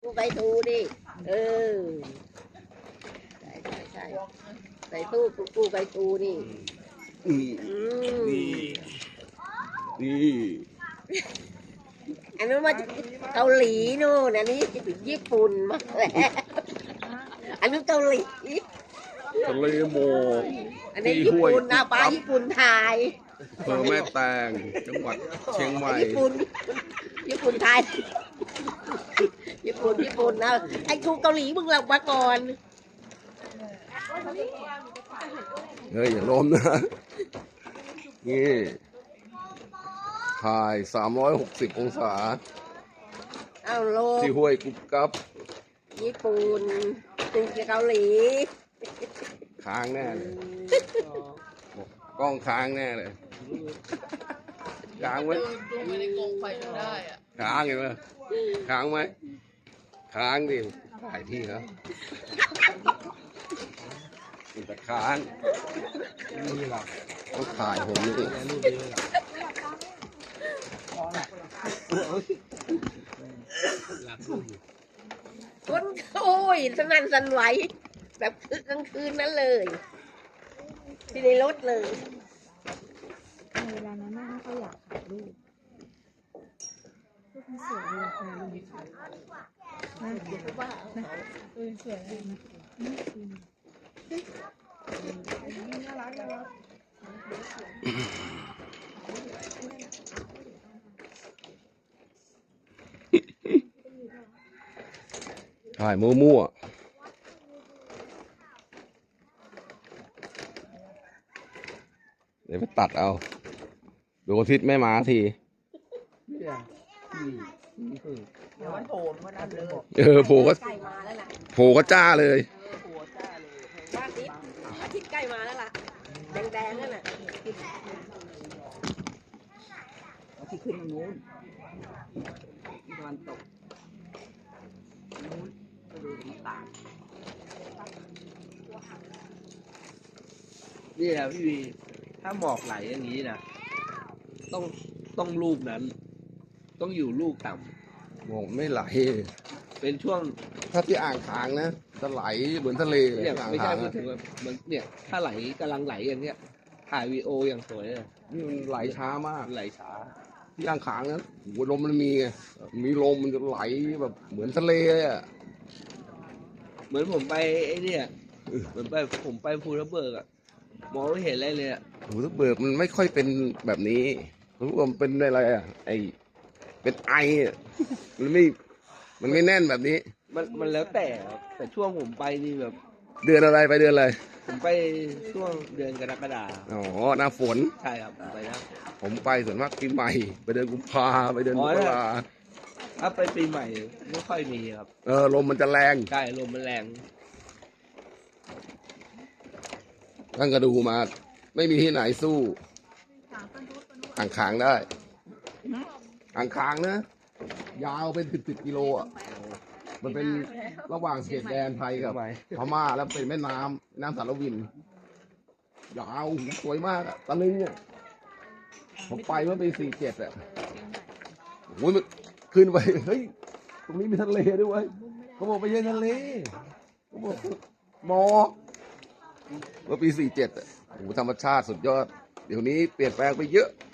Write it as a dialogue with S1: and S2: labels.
S1: ไก่ตูดิใช่ใส่ตู้กูไก่ตูนี่
S2: นี่
S1: อันนั้นมาเกาหลีนู่นอันนี้ญี่ปุ่นมาแล้วอันนั้นเกาหลี
S2: ทะเลหมอก
S1: อันนี้ญี่ปุ่นนะปลาญี่ปุ่นไทย
S2: อำเภอแม่แตงจังหวัดเชียงใหม่
S1: ญี่ปุ่นไทยญี่ปุ่นนะไอ้กูเกาหลีมึงหลับมาก่อน
S2: เฮ้ยอย่าล้มนะนี่ถ่าย360องศา
S1: เอาโล
S2: ที่ห้วยกุ๊บกับ
S1: ญี่ปุ่นกูเกาหลี
S2: ค้างแน่เลยกล้องค้างแน่เลยค้างไหม
S3: ไม่ได้กงไฟจนได้อะ
S2: ค้างเห็นไหมค้างไหมค้างดิถ่ายที่ครับมันจะค้างนี่หรอต้องถ่ายผมนี่
S1: คนโอ้ยสนั่นสั่นไหวแบบกลางคืนนั้นเลยที่ในรถเลย
S4: เวลานั้นไม่ค่อยอยากถ่ายรูปมันสวยเลยค่ะลุงสวยเลยนะน่ารัก
S2: ถ่ายมั่วเดี๋ยวไปตัดเอาดูอาทิตย์ไม่มาที
S3: เดี๋ยวมันโผล่มานั่นเลย
S2: โผล่ก็จ้าเลย
S1: อาทิตย์ใกล้มาแล้วล่ะแดงนั่นน่ะ
S3: ที่ขึ้นตรงนู้นตะวันตกนู้นก็ดูต่างนี่แหละพี่วีถ้าหมอกไหลอย่างนี้นะต้องลูกนั้นต้องอยู่ลูกต่
S2: ำหมอกไม่ไหล
S3: เป็นช่วง
S2: ถ้าที่อ่างขางนะจะไหลเหมือนทะเล
S3: เนี่ยไม่ใช่พูดถึงว่ามันเนี่ยถ้าไหลกำลังไหลอย่างเนี้ยถ่ายวีโออย่างสวยเลย
S2: นี่มันไหลช้ามาก
S3: ไหลช้า
S2: ที่อ่างขางนะหัวลมมันมีไงมีลมมันจะไหลแบบเหมือนทะเลเลยอ่ะ
S3: เหมือนผมไปไอ้เนี่ยเหมือนผมไปภูทับเบิกอะมองไม่เห็นอะไรเลยอะ
S2: ภูทับเบิกมันไม่ค่อยเป็นแบบนี้รู้ว่ามันเป็นอะไรอ่ะเป็นไออ่ะมันไม่แน่นแบบนี้
S3: มันแล้วแต่ช่วงผมไปนี่แบบ
S2: เดือนอะไรไปเดือนอะไร
S3: ผมไปช่วงเดือนกรกฎาคม
S2: อ๋อหน้าฝน
S3: ใช่ครับไปนะ
S2: ผมไปส่วนมากปีใหม่ไปเดือนกุมภาไปเดือนมกรา
S3: ถ้าไปปีใหม่ไม่ค่อยมีครับ
S2: ลมมันจะแรง
S3: ใช่ลมมันแรง
S2: ตั้งกระดูมาไม่มีที่ไหนสู้อ่างขางได้อ่างขางนะยาวเป็น10กิโลอ่ะมันเป็นระหว่างเขตแดนไทยกับพม่าแล้วเป็นแม่น้ำสารวินยาวสวยมากอ่ะตะลึงเนี่ยผมไปเมื่อปี47อ่ะโอ้ยขึ้นไปเฮ้ยตรงนี้มีทะเลด้วยเขาบอกไปเย็นทะเลเขาบอกหมอกเมื่อปี47อ่ะโอ้ธรรมชาติสุดยอดเดี๋ยวนี้เปลี่ยนแปลงไปเยอะ